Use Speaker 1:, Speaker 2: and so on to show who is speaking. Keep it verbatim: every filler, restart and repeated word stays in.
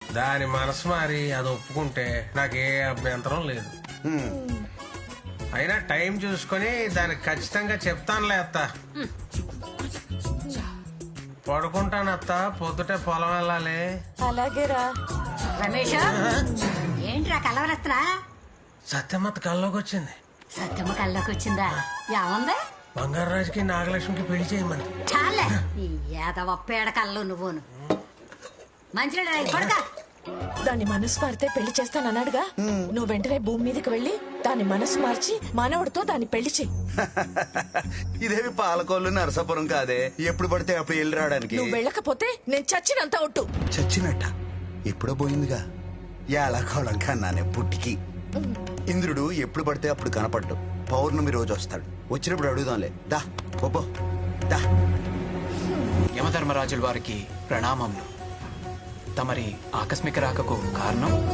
Speaker 1: దాని మనసు మారి అది ఒప్పుకుంటే నాకే అభ్యంతరం లేదు. అయినా టైం చూసుకొని దానికి ఖచ్చితంగా చెప్తానులే అత్త. పడుకుంటాను అత్త, పొద్దుటే పొలం వెళ్ళాలి.
Speaker 2: అలాగేరా.
Speaker 3: రమేష్ ఏంట్రా కలవరస్తున్నా?
Speaker 1: సత్యమ్మత్త కల్లోకి వచ్చింది.
Speaker 3: సత్యమ్మ కల్లోకి వచ్చిందా? ఏముంది?
Speaker 1: బంగారు రాజుకి నాగలక్ష్మికి పెళ్లి చేయమంది.
Speaker 3: చాలే ఈ ఏదవ పేడ కళ్ళు నువ్వును. మంచిగా పడక.
Speaker 2: దాని మనసు మారితే పెళ్లి చేస్తానన్నాడుగా, నువ్వు వెంటనే భూమి మీదకి వెళ్ళి దాని మనసు మార్చి మనవడితో దాన్ని పెళ్లి చెయ్యి.
Speaker 4: ఇదేవి పాలకోళ్ళు నరసాపురం కాదే, ఎప్పుడు పడితే అప్పుడు వెళ్ళి రావడానికి.
Speaker 2: నువ్వు వెళ్ళకపోతే నేను చచ్చినంత ఒట్టు.
Speaker 4: చచ్చినట్ట ఎప్పుడో పోయిందిగా. ఏళకోళం కన్నానే పుట్టికి. ఇంద్రుడు ఎప్పుడు పడితే అప్పుడు కనపడ్డు. పౌర్ణమి రోజు వస్తాడు. వచ్చినప్పుడు అడుగుదాంలే. దా పోపో దా.
Speaker 5: యమధర్మరాజుల వారికి ప్రణామములు. తమరి ఆకస్మిక రాకకు కారణం?